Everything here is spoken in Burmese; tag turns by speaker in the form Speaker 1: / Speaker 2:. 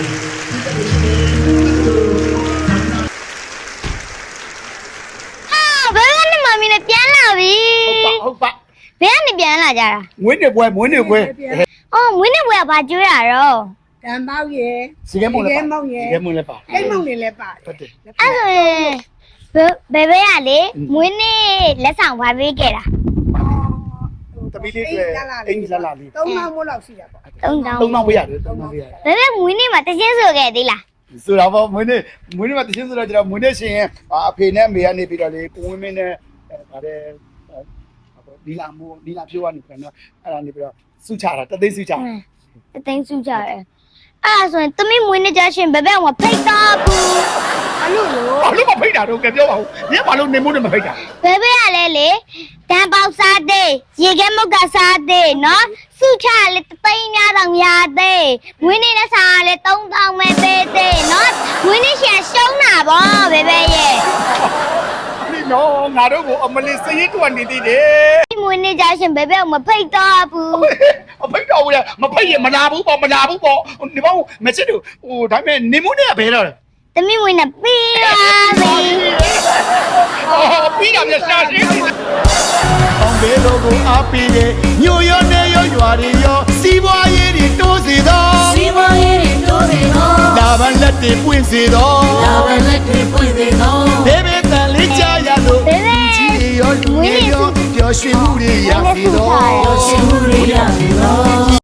Speaker 1: ဘယ်ကနေမမီနဲ့ပြန်လာပြီ
Speaker 2: ဟုတ်ပါ
Speaker 1: ဘယ်ကနေပြန်လာကြတာ
Speaker 2: မွေးနေ့ပွဲ
Speaker 1: အော်မွေးနေ့ပွဲကဘာကျွေးရတော့
Speaker 3: တန်ပေါက်ရယ်
Speaker 2: စီကဲမုံလည်းပါ
Speaker 3: မောင်ရယ်
Speaker 2: စီကဲမုံလည်းပါ
Speaker 3: ကိတ်မုံနေလည်းပါ
Speaker 2: ဟုတ်တယ်
Speaker 1: အဲ့ဆိုရင်ဘယ်ကလေမွေးနေ့လက်ဆောင်ဘာပေးခဲ့တာ
Speaker 2: သမီးလေးတွေအင်္ဂလာလေး
Speaker 3: 3မောင်မို့လောက်ရှိတာပေါ့
Speaker 1: 3000
Speaker 2: 3ပေးရတယ်3ပေးရတယ်
Speaker 1: ဘယ်မွေးနေ့မှာတချင်းဆိုခဲ့သေးလား
Speaker 2: ဆိုတော့မွေးနေ့မှာတချင်းဆိုတော့ကျွန်တော်မွေးနေ့ရှင်အဖေနဲ့မေကနေပြီးတော့လေကိုဝင်းမင်းနဲ့ဗါတဲ့ဒီလာဖြိုးကနေပြန်တော့အဲ့ဒါနေပြီးတော့စုချတာတသိန်းစုချတာ
Speaker 1: တသိန်းစုကြတယ်အဲ့ဒါဆိုရင်သမီးမွေးနေ့ကြရှင်ဘယ်ကဖိတ်တော့ဘူး
Speaker 3: ဘာလို့လို့
Speaker 2: ဘာလို့မဖိတ်တာတော့ကပြောပါဦးညဘာလို့နေမို့နဲ့မဖိတ်တာ
Speaker 1: ဘယ်ကလဲလေတန်ပေါက်စားသေးရေခဲမုတ်ကစားသေးနော်စုချလေတသိန်းများတောင်ရသေးမွေးနေ့လက်ဆောင်လေ3000ပဲပေးသေးနော်မွေးနေ့ရှင်ရှုံးတာဗောဘယ်ရဲ့
Speaker 2: ဒီနော်ငါတို့ကိုအမလီစရင်တွက်နေသေးတယ်
Speaker 1: မွေးနေ့ကြရှင်ဘယ်မဖိတ်တော့ဘူး
Speaker 2: အဖိတ်တော်ဘူးလေမဖိတ်ရင်မလာဘူးပေါ့ဒီဘောမချစ်တို့ဟိုဒါပေမဲ့နေမို့နဲ့ဘယ်တော့လဲ
Speaker 1: သမီးမွေးနေ့ပြီးပါပြီ
Speaker 2: ပြီးတာပြရှာရှင်းအောင်ဘယ်လိုကိုအားပေးရဲ့ညိုရောနေရောရွာတွေရောစီးပွားရေးတွေတိုးစေသော
Speaker 4: စီမရေတိုးစေသော
Speaker 2: လာဗန်လက်တွေပွင့်စေသော
Speaker 4: လာဗလက်တွေပွင့်စေသော
Speaker 2: ဘေဘေတန်လေးကြားရလို့ကြီးတွေရောလူတွေရောပျော်ရွှင်မှုတွေရစေသော
Speaker 4: ရှင်မှုရိယစေသော